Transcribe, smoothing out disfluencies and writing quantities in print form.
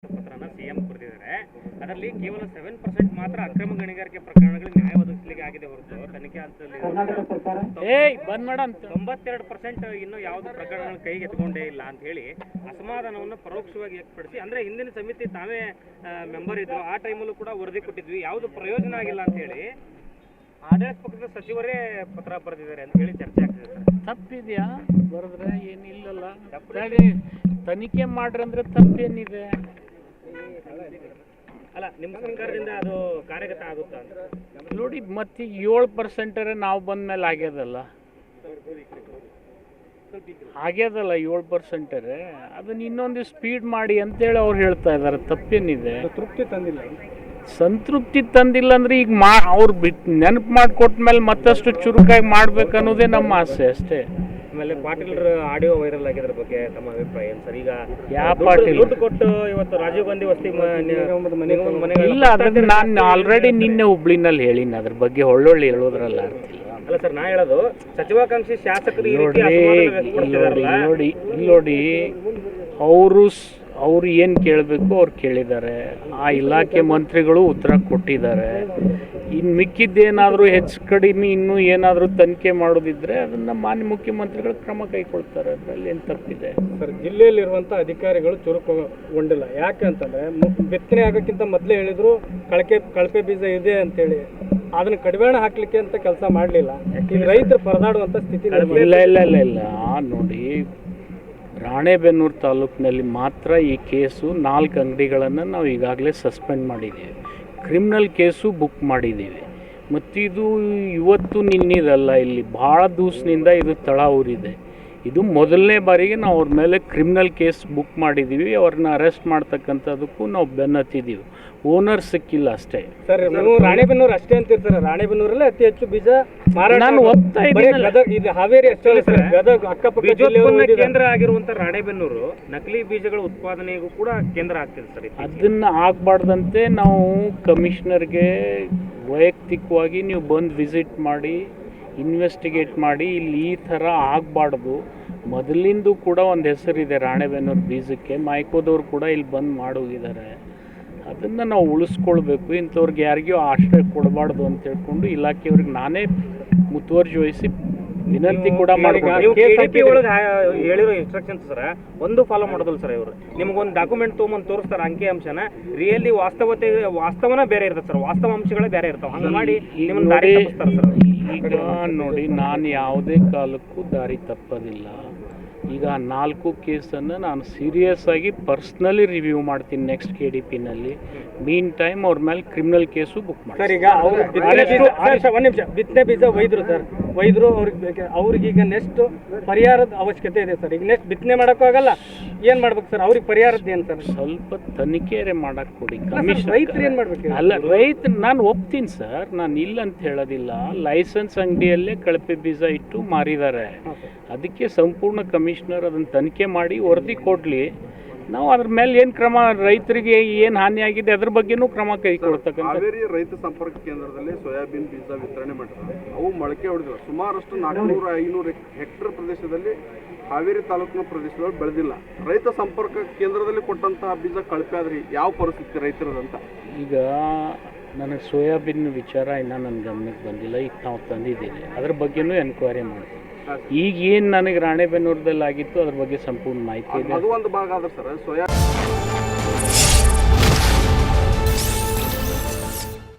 ಪತ್ರನ CM ಬರೆದಿದ್ದಾರೆ. ಅದರಲ್ಲಿ ಕೇವಲ 7% ಮಾತ್ರ ಅಕ್ರಮ ಗಣಿಗಾರಿಕೆ ಪ್ರಕರಣಗಳಿಗೆ ನ್ಯಾಯ ಒದಗಿಸಲಿಕ್ಕೆ ಆಗಿದೆ ಹೊರತು ತನಿಖೆ ಹಂತದಲ್ಲಿ 92% ಇನ್ನೂ ಯಾವುದು ಪ್ರಕರಣಗಳ ಕೈಗೆ ಎತ್ಕೊಂಡೇ ಇಲ್ಲ ಅಂತ ಹೇಳಿ ಅಸಮಾಧಾನವನ್ನು ಪರೋಕ್ಷವಾಗಿ ವ್ಯಕ್ತಪಡಿಸಿ, ಅಂದ್ರೆ ಹಿಂದಿನ ಸಮಿತಿ ತಾವೇ ಮೆಂಬರ್ ಇದ್ರು, ಆ ಟೈಮಲ್ಲೂ ಕೂಡ ವರದಿ ಕೊಟ್ಟಿದ್ವಿ, ಯಾವುದು ಪ್ರಯೋಜನ ಆಗಿಲ್ಲ ಅಂತ ಹೇಳಿ ಆಡಳಿತ ಪಕ್ಷದ ಸಚಿವರೇ ಪತ್ರ ಬರೆದಿದ್ದಾರೆ ಅಂತ ಹೇಳಿ ಚರ್ಚೆ ಆಗ್ತಿದೆ ಸರ್. ತಪ್ಪಿದೆಯಾ? ಬರೆದ್ರೆ ಏನಿಲ್ಲಲ್ಲ, ತನಿಖೆ ಮಾಡ್ರಿ ಅಂದ್ರೆ ತಪ್ಪೇನಿದೆ? ಅಲ್ಲ, ನಿಮ್ಮ ಸರ್ಕಾರದಿಂದ ಅದು ಕಾರ್ಯಗತ ಆಗುತ್ತಾ ಅಂತ ನೋಡಿ. ಮತ್ತೆ 7% ನಾವು ಬಂದ ಮೇಲೆ ಆಗ್ಯದಲ್ಲ 7%. ಅದನ್ನ ಇನ್ನೊಂದು ಸ್ಪೀಡ್ ಮಾಡಿ ಅಂತೇಳಿ ಅವ್ರು ಹೇಳ್ತಾ ಇದ್ದಾರೆ. ತಪ್ಪೇನಿದೆ? ತೃಪ್ತಿ ತಂದಿಲ್ಲ. ಸಂತೃಪ್ತಿ ತಂದಿಲ್ಲ ಅಂದ್ರೆ ಈಗ ಅವ್ರು ನೆನಪು ಮಾಡಿಕೊಟ್ಮೇಲೆ ಮತ್ತಷ್ಟು ಚುರುಕಾಗಿ ಮಾಡ್ಬೇಕು ಅನ್ನೋದೇ ನಮ್ಮ ಆಸೆ ಅಷ್ಟೇ. ಆಮೇಲೆ ಪಾಟೀಲ್ರ ಆಡಿಯೋ ವೈರಲ್ ಆಗಿದ್ರ ಬಗ್ಗೆ ತಮ್ಮ ಅಭಿಪ್ರಾಯ ಏನು ಸರ್? ಈಗ ಯಾವ ಪಾಟೀಲ್ ದುಡ್ಡು ಕೊಟ್ಟು ಇವತ್ತು ರಾಜೀವ್ ಗಾಂಧಿ ವಸತಿ ಇಲ್ಲ, ಅದನ್ನ ನಾನು ಆಲ್ರೆಡಿ ನಿನ್ನೆ ಹುಬ್ಳಿನಲ್ಲಿ ಹೇಳಿನಿ. ಅದ್ರ ಬಗ್ಗೆ ಒಳ್ಳೊಳ್ಳೆ ಹೇಳೋದ್ರಲ್ಲ ಅರ್ಥ ಇಲ್ಲ. ಅಲ್ಲ ಸರ್, ನಾ ಹೇಳೋದು ಸಚಿವಾಕಾಂಕ್ಷಿ ಶಾಸಕರು ನೋಡಿ ಅವ್ರು ಏನು ಕೇಳಬೇಕು ಅವ್ರು ಕೇಳಿದ್ದಾರೆ. ಆ ಇಲಾಖೆ ಮಂತ್ರಿಗಳು ಉತ್ತರ ಕೊಟ್ಟಿದ್ದಾರೆ. ಇನ್ನು ಮಿಕ್ಕಿದ್ದೇನಾದರೂ ಹೆಚ್ಚು ಕಡಿಮೆ ಇನ್ನೂ ಏನಾದರೂ ತನಿಖೆ ಮಾಡೋದಿದ್ರೆ ಅದನ್ನು ಮಾನ್ಯ ಮುಖ್ಯಮಂತ್ರಿಗಳು ಕ್ರಮ ಕೈಗೊಳ್ತಾರೆ. ಅದರಲ್ಲಿ ಏನು ತಪ್ಪಿದೆ ಸರ್? ಜಿಲ್ಲೆಯಲ್ಲಿರುವಂಥ ಅಧಿಕಾರಿಗಳು ಚುರುಕುಗೊಂಡಿಲ್ಲ. ಯಾಕೆ ಅಂತಂದರೆ ಬಿತ್ತನೆ ಆಗೋಕ್ಕಿಂತ ಮೊದಲೇ ಹೇಳಿದ್ರು ಕಳಪೆ ಬೀಜ ಇದೆ ಅಂತೇಳಿ. ಅದನ್ನು ಕಡಿವಾಣ ಹಾಕಲಿಕ್ಕೆ ಅಂತ ಕೆಲಸ ಮಾಡಲಿಲ್ಲ. ಈಗ ರೈತರು ಪರದಾಡುವಂಥ ಸ್ಥಿತಿ ಇಲ್ಲ. ನೋಡಿ, ರಾಣೆಬೆನ್ನೂರು ತಾಲೂಕಿನಲ್ಲಿ ಮಾತ್ರ ಈ ಕೇಸು 4 ಅಂಗಡಿಗಳನ್ನು ನಾವು ಈಗಾಗಲೇ ಸಸ್ಪೆಂಡ್ ಮಾಡಿದ್ದೀವಿ. ಕ್ರಿಮಿನಲ್ ಕೇಸು ಬುಕ್ ಮಾಡಿದ್ದೀವಿ. ಮತ್ತು ಇದು ಇವತ್ತು ನಿನ್ನಿದಲ್ಲ, ಇಲ್ಲಿ ಭಾಳ ದಿವಸದಿಂದ ಇದು ತಳ ಊರಿದೆ. ಇದು ಮೊದಲನೇ ಬಾರಿಗೆ ನಾವು ಅವ್ರ ಮೇಲೆ ಕ್ರಿಮಿನಲ್ ಕೇಸ್ ಬುಕ್ ಮಾಡಿದ್ದೀವಿ. ಅವ್ರನ್ನ ಅರೆಸ್ಟ್ ಮಾಡ್ತಕ್ಕಂಥದಕ್ಕೂ ನಾವು ಬೆನ್ನತ್ತಿದ್ದೀವಿ. ಓನರ್ ಸಿಕ್ಕಿಲ್ಲ ಅಷ್ಟೇ ಸರ್. ನೀವು ರಾಣೆಬೆನ್ನೂರು ಅಷ್ಟೇ ಅಂತಿರ್ತಾರೆ. ರಾಣೆಬೆನ್ನೂರಲ್ಲೇ ಅತಿ ಹೆಚ್ಚು ಬೀಜ ನಾನು ಒಪ್ತಾ ಇದ್ದೀನಿ. ಇದು ಹಾವೇರಿ ಅಷ್ಟೇ ಗದಗ ಅಕ್ಕಪಕ್ಕ ಕೇಂದ್ರ ಆಗಿರುವಂತ ರಾಣೆಬೆನ್ನೂರು ನಕಲಿ ಬೀಜಗಳ ಉತ್ಪಾದನೆಗೂ ಕೂಡ ಕೇಂದ್ರ ಆಗ್ತಿದೆ ಸರ್. ಅದನ್ನ ಆಗಬಾರ್ದಂತೆ ನಾವು ಕಮಿಷನರ್ಗೆ ವೈಯಕ್ತಿಕವಾಗಿ ನೀವು ಬಂದು ವಿಸಿಟ್ ಮಾಡಿ ಇನ್ವೆಸ್ಟಿಗೇಟ್ ಮಾಡಿ, ಇಲ್ಲಿ ಈ ಥರ ಆಗಬಾರ್ದು. ಮೊದಲಿಂದು ಕೂಡ ಒಂದು ಹೆಸರಿದೆ ರಾಣೆಬೆನ್ನೂರು ಬೀಜಕ್ಕೆ. ಮೈಕೋದವ್ರು ಕೂಡ ಇಲ್ಲಿ ಬಂದು ಮಾಡೋಗಿದ್ದಾರೆ. ಅದನ್ನು ನಾವು ಉಳಿಸ್ಕೊಳ್ಬೇಕು. ಇಂಥವ್ರಿಗೆ ಯಾರಿಗೂ ಆಶ್ರಯ ಕೊಡಬಾರ್ದು ಅಂತ ಹೇಳ್ಕೊಂಡು ಇಲಾಖೆಯವ್ರಿಗೆ ನಾನೇ ಮುತುವರ್ಜಿ ವಹಿಸಿ ವಿನಂತಿ ಕೂಡ ಹೇಳಿರೋ ಇನ್ಸ್ಟ್ರಕ್ಷನ್ಸ್ ಸರ್ ಒಂದು ಫಾಲೋ ಮಾಡೋದಿಲ್ಲ ಸರ್. ಇವರು ನಿಮಗೊಂದು ಡಾಕ್ಯುಮೆಂಟ್ ತೊಗೊಂಬಂದು ತೋರಿಸ್ತಾರೆ, ಅಂಕಿ ಅಂಶನ ರಿಯಲಿ ವಾಸ್ತವನ ಬೇರೆ ಇರ್ತದೆ ಸರ್, ವಾಸ್ತವ ಅಂಶಗಳೇ ಬೇರೆ ಇರ್ತಾವೆ. ಹಂಗೆ ಮಾಡಿ ನಿಮ್ಮನ್ನು ದಾರಿ ತಪ್ಪಿಸ್ತಾರೆ ಸರ್. ಈಗ ನೋಡಿ, ನಾನು ಯಾವುದೇ ಕಾಲಕ್ಕೂ ದಾರಿ ತಪ್ಪೋದಿಲ್ಲ. ಈಗ 4 ಕೇಸನ್ನು ನಾನು ಸೀರಿಯಸ್ ಆಗಿ ಪರ್ಸ್ನಲಿ ರಿವ್ಯೂ ಮಾಡ್ತೀನಿ ನೆಕ್ಸ್ಟ್ KDPನಲ್ಲಿ. ಮೀನ್ ಟೈಮ್ ಅವ್ರ ಮೇಲೆ ಕ್ರಿಮಿನಲ್ ಕೇಸು ಬುಕ್ ಮಾಡಿ ಸರ್. ಈಗ ಒಂದು ನಿಮಿಷ, ಬಿತ್ತನೆ ಬೀಜ ಒಯ್ದ್ರು ಅವ್ರಿಗೀಗ ನೆಕ್ಸ್ಟ್ ಪರಿಹಾರದ ಅವಶ್ಯಕತೆ ಇದೆ ಸರ್. ಈಗ ನೆಕ್ಸ್ಟ್ ಬಿತ್ತನೆ ಮಾಡೋಕ್ಕೂ ಆಗಲ್ಲ, ಏನು ಮಾಡ್ಬೇಕು ಸರ್? ಅವ್ರಿಗೆ ಪರಿಹಾರದ್ದು ಏನು ಸರ್? ಸ್ವಲ್ಪ ತನಿಖೆ ಮಾಡಕ್ಕೆ ಕೊಡಿ. ರೈತರು ಏನು ಮಾಡ್ಬೇಕು? ಅಲ್ಲ, ನಾನು ಒಪ್ತೀನಿ ಸರ್, ನಾನು ಇಲ್ಲ ಅಂತ ಹೇಳೋದಿಲ್ಲ. ಲೈಸೆನ್ಸ್ ಅಂಗಡಿಯಲ್ಲೇ ಕಳಪೆ ಬೀಜ ಇಟ್ಟು ಮಾರಿದ್ದಾರೆ. ಅದಕ್ಕೆ ಸಂಪೂರ್ಣ ಕಮಿಷನರ್ ಅದನ್ನು ತನಿಖೆ ಮಾಡಿ ವರದಿ ಕೊಡಲಿ. ನಾವು ಅದ್ರ ಮೇಲೆ ಏನು ಕ್ರಮ, ರೈತರಿಗೆ ಏನು ಹಾನಿ ಆಗಿದೆ ಅದ್ರ ಬಗ್ಗೆನೂ ಕ್ರಮ ಕೈಗೊಳ್ತಕ್ಕಂಥ. ಹಾವೇರಿ ರೈತ ಸಂಪರ್ಕ ಕೇಂದ್ರದಲ್ಲಿ ಸೋಯಾಬೀನ್ ಬೀಜ ವಿತರಣೆ ಮಾಡಿದ್ದಾರೆ. ಅವು ಮೊಳಕೆ ಹೊಡೆದಿಲ್ಲ. ಸುಮಾರಷ್ಟು 400-500 ಹೆಕ್ಟೇರ್ ಪ್ರದೇಶದಲ್ಲಿ ಹಾವೇರಿ ತಾಲೂಕಿನ ಪ್ರದೇಶದಲ್ಲಿ ಬೆಳೆದಿಲ್ಲ. ರೈತ ಸಂಪರ್ಕ ಕೇಂದ್ರದಲ್ಲಿ ಕೊಟ್ಟಂತಹ ಬೀಜ ಕಳಪೆ ಆದ್ರೆ ಯಾವ ಪರಿಸ್ಥಿತಿ ರೈತರದಂತ? ಈಗ ನನಗೆ ಸೋಯಾಬೀನ್ ವಿಚಾರ ಇನ್ನೂ ನನ್ನ ಗಮನಕ್ಕೆ ಬಂದಿಲ್ಲ. ಈಗ ನಾವು ತಂದಿದ್ದೀವಿ, ಅದ್ರ ಬಗ್ಗೆನೂ ಎನ್ಕ್ವೈರಿ ಮಾಡ್ತೀವಿ. ಈಗ ಏನು ನನಗೆ ರಾಣೆಬೆನ್ನೂರದಲ್ಲಿ ಆಗಿತ್ತು ಅದ್ರ ಬಗ್ಗೆ ಸಂಪೂರ್ಣ ಮಾಹಿತಿ ಇದೆ. ಅದು ಒಂದು ಭಾಗ ಆದ್ರೆ ಸರ್, ಸೋಯಾ